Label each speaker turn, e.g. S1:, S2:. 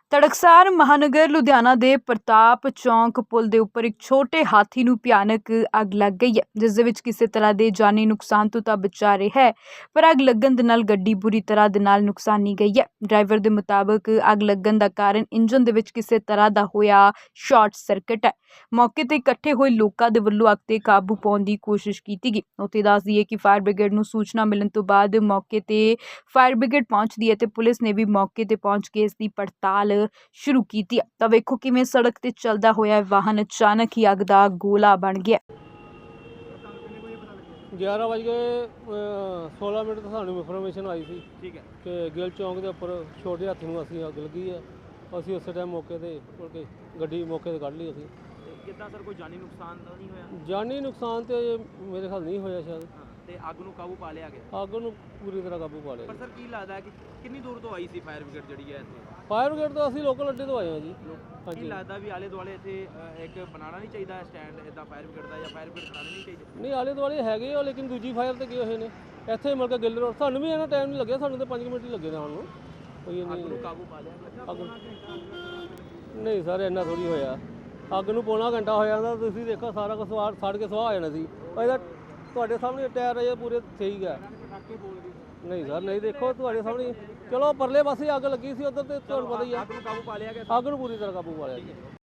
S1: ਤੜਕਸਾਰ ਮਹਾਨਗਰ ਲੁਧਿਆਣਾ ਦੇ ਪ੍ਰਤਾਪ ਚੌਂਕ ਪੁਲ ਦੇ ਉੱਪਰ ਇੱਕ ਛੋਟੇ ਹਾਥੀ ਨੂੰ ਭਿਆਨਕ ਅੱਗ ਲੱਗ ਗਈ ਹੈ, ਜਿਸ ਦੇ ਵਿੱਚ ਕਿਸੇ ਤਰ੍ਹਾਂ ਦੇ ਜਾਨੀ ਨੁਕਸਾਨ ਤੋਂ ਤਾਂ ਬਚਾ ਰਿਹਾ ਹੈ, ਪਰ ਅੱਗ ਲੱਗਣ ਦੇ ਨਾਲ ਗੱਡੀ ਬੁਰੀ ਤਰ੍ਹਾਂ ਦੇ ਨਾਲ ਨੁਕਸਾਨੀ ਗਈ ਹੈ। ਡਰਾਈਵਰ ਦੇ ਮੁਤਾਬਕ ਅੱਗ ਲੱਗਣ ਦਾ ਕਾਰਨ ਇੰਜਨ ਦੇ ਵਿੱਚ ਕਿਸੇ ਤਰ੍ਹਾਂ ਦਾ ਹੋਇਆ ਸ਼ਾਰਟ ਸਰਕਟ ਹੈ। ਮੌਕੇ ਤੇ ਇਕੱਠੇ ਹੋਏ ਲੋਕਾਂ ਦੇ ਵੱਲੋਂ ਅੱਗ ਤੇ ਕਾਬੂ ਪਾਉਣ ਦੀ ਕੋਸ਼ਿਸ਼ ਕੀਤੀ ਗਈ। ਉੱਥੇ ਦੱਸ ਦਈਏ ਕਿ ਫਾਇਰ ਬ੍ਰਿਗੇਡ ਨੂੰ ਸੂਚਨਾ ਮਿਲਣ ਤੋਂ ਬਾਅਦ ਮੌਕੇ ਤੇ ਫਾਇਰ ਬ੍ਰਿਗੇਡ ਪਹੁੰਚਦੀ ਹੈ ਤੇ ਪੁਲਿਸ ਨੇ ਵੀ ਮੌਕੇ ਤੇ ਪਹੁੰਚ ਕੇ ਇਸ ਦੀ ਪੜਤਾਲ शुरू की थी। तो वेखो किवें सड़क ते चलदा होया वाहन अचानक ही अग दा गोला बन गया।
S2: 11:16 तो सानू इन्फॉर्मेशन आई थी, ठीक है, कि गिल चौंक के उपर छोटे हाथी नूं असीं अग लगी है। असीं उस टाइम मौके ते के गड्डी मौके ते कढ लई। असीं
S3: कितना सर कोई जानी नुकसान तो नहीं होया?
S2: जानी नुकसान तो मेरे ख्याल नहीं होया शायद।
S3: ਤੇ ਅੱਗ ਨੂੰ ਕਾਬੂ ਪਾ ਲਿਆ ਗਿਆ?
S2: ਅੱਗ ਨੂੰ ਪੂਰੀ ਤਰ੍ਹਾਂ ਕਾਬੂ ਪਾ ਲਿਆ।
S3: ਪਰ ਸਰ ਕੀ ਲੱਗਦਾ ਹੈ ਕਿ ਕਿੰਨੀ ਦੂਰ ਤੋਂ ਆਈ ਸੀ ਫਾਇਰ ਬ੍ਰਿਗੇਡ ਜਿਹੜੀ ਹੈ ਇੱਥੇ?
S2: ਫਾਇਰ ਬ੍ਰਿਗੇਡ ਤੋਂ ਅਸੀਂ ਲੋਕਲ ਅੱਡੇ ਤੋਂ ਆਏ ਹਾਂ ਜੀ।
S3: ਕੀ ਲੱਗਦਾ ਵੀ ਆਲੇ ਦੁਆਲੇ ਇੱਥੇ ਇੱਕ ਬਣਾਉਣਾ ਨਹੀਂ ਚਾਹੀਦਾ ਸਟੈਂਡ ਇਦਾਂ ਫਾਇਰ ਬ੍ਰਿਗੇਡ ਦਾ, ਜਾਂ ਫਾਇਰ ਬ੍ਰਿਗੇਡ ਬਣਾਉਣੀ ਨਹੀਂ ਚਾਹੀਦੀ?
S2: ਨਹੀਂ, ਆਲੇ ਦੁਆਲੇ ਹੈਗੇ ਆ, ਲੇਕਿਨ ਦੂਜੀ ਫਾਇਰ ਤੇ ਗਏ ਹੋਏ ਨੇ। ਇੱਥੇ ਮਿਲ ਕੇ ਗਿੱਲ ਰੋਡ ਸਾਨੂੰ ਵੀ ਇਹਨਾਂ ਟਾਈਮ ਨਹੀਂ ਲੱਗਿਆ, ਸਾਨੂੰ ਤਾਂ 5 ਮਿੰਟ ਹੀ ਲੱਗੇ ਨੇ ਆਉਣ ਨੂੰ। ਕੋਈ
S3: ਅੱਗ ਨੂੰ ਕਾਬੂ ਪਾ ਲਿਆ?
S2: ਨਹੀਂ ਸਰ, ਇੰਨਾ ਥੋੜੀ ਹੋਇਆ। ਅੱਗ ਨੂੰ ਪੌਣਾ ਘੰਟਾ ਹੋ ਜਾਂਦਾ, ਤੁਸੀਂ ਦੇਖੋ ਸਾਰਾ ਕੁਝ ਸੜ ਕੇ ਸੁਆਹ ਹੋ ਜਾਣਾ ਸੀ। ਇਹਦਾ ਤੁਹਾਡੇ ਸਾਹਮਣੇ ਟਾਇਰ ਅਜੇ ਪੂਰੇ ਸਹੀ ਹੈ। ਨਹੀਂ ਸਰ, ਨਹੀਂ, ਦੇਖੋ ਤੁਹਾਡੇ ਸਾਹਮਣੇ। ਚਲੋ ਪਰਲੇ ਪਾਸੇ ਅੱਗ ਲੱਗੀ ਸੀ, ਉਧਰ ਤੇ ਤੁਹਾਨੂੰ ਪਤਾ ਹੀ ਆ।
S3: ਅੱਗ ਨੂੰ ਕਾਬੂ ਪਾ ਲਿਆ ਗਿਆ?
S2: ਅੱਗ ਨੂੰ ਪੂਰੀ ਤਰ੍ਹਾਂ ਕਾਬੂ ਪਾ ਲਿਆ ਜੀ।